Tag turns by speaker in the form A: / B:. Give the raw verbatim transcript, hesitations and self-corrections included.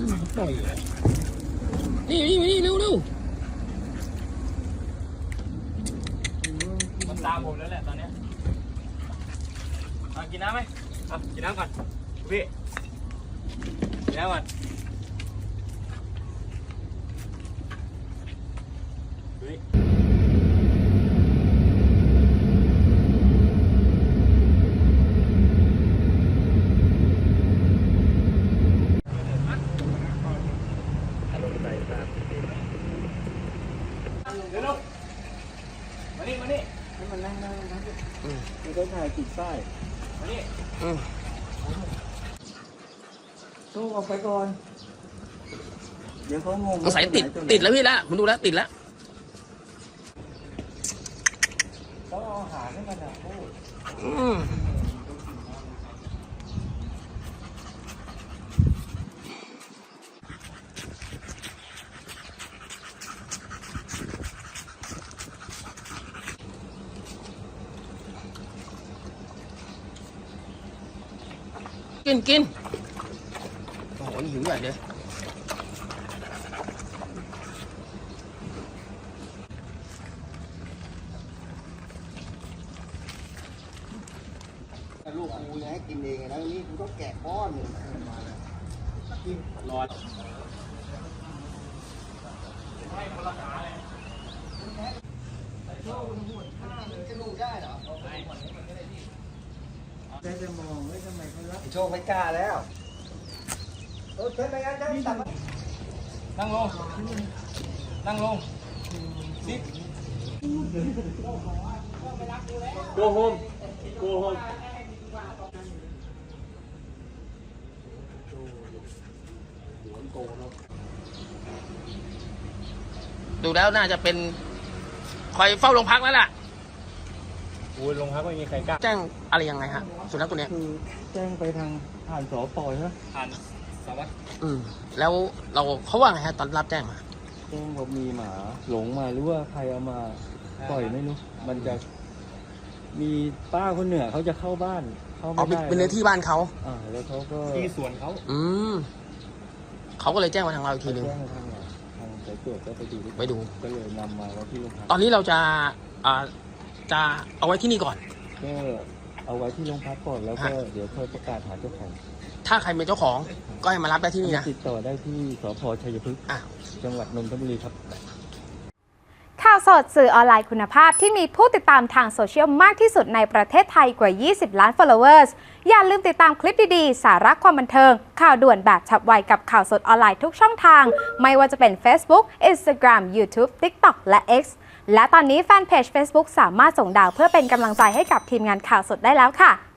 A: ปล่อยนี่นี่นี่เร็วเร็วมันตามผมแล้วแหละตอนนี้กินน้ำไหมอ่ะกินน้ำก่อนพี่กินน้ำก่อนเฮ้ยเดี๋ยวลูกมานี่มานี่ให้มันนั่งนั่งนั่งมันก็ถ่ายติดป้ายมานี่โต้ออกไปก่อนเดี๋ยวเขางงสงสัยติดติดแล้วพี่ละผมดูแล้วติดแล้วต้องเอาอาหารให้มันนะโอ้กินกินโอ้โหหิวใหญ่เลย
B: ลูกกูให้กินเองนะนี่กูต้องแกะป้อนเลยมาเลยกินรอให้คนละขาเลยโชว์หุ่นข้ามันจะลูกได้เหรอได้จะมองว่าทำไมเขารักโชว์ไม่กล้าแล้วโอ้เชิญไปงั้นจะตัด
A: นั่งลงนั่งลงซิโกโฮมโกโฮมดูแล้วน่าจะเป็นคอยเฝ้าโรงพักแล้วล่ะโอ้ยโรงพักไม่มีใครกล้าแจ้งอะไรยังไงฮะสุนัขตัวนี้
B: คือแจ้งไปทางผ่านสปใช่ไหม
A: ผ่านสวัสดิ์อืมแล้วเราเขาว่าไงฮะตอนรับแจ้งมา
B: แจ้งว่ามีหมาหลงมาหรือว่าใครเอามาปล่อยไม่รู้มันจะมีป้าคนเหนือเขาจะเข้าบ้านเข้าไม่ได้
A: เป็นเนื้อที่บ้านเขา
B: อ่าแล้วเขาก็
A: ที่สวนเขาอืมเขาก็เลยแจ้งมาทางเราอีกทีนึง
B: ทางทางสายตรวจก็ไปดู
A: ไปดู
B: ก็เลยนำมาไว้ที่โรงพัก
A: ตอนนี้เราจะอ่าจะเอาไว้ที่นี่ก่อน
B: ก็เอาไว้ที่โรงพักก่อนแล้วก็เดี๋ยวค่อยประกาศหาเจ้าของ
A: ถ้าใครเป็นเจ้าของก็ให้มารับได้ที่นี่นะ
B: ติดต่อได้ที่สภ.ชัยพฤกษ์จังหวัดนนทบุรีครับ
C: ข่าวสดสื่อออนไลน์คุณภาพที่มีผู้ติดตามทางโซเชียลมากที่สุดในประเทศไทยกว่ายี่สิบล้าน followers อย่าลืมติดตามคลิปดีๆสาระความบันเทิงข่าวด่วนแบบฉับไวกับข่าวสดออนไลน์ทุกช่องทางไม่ว่าจะเป็น Facebook Instagram YouTube TikTok และ X และตอนนี้แฟนเพจ Facebook สามารถส่งดาวเพื่อเป็นกำลังใจให้กับทีมงานข่าวสดได้แล้วค่ะ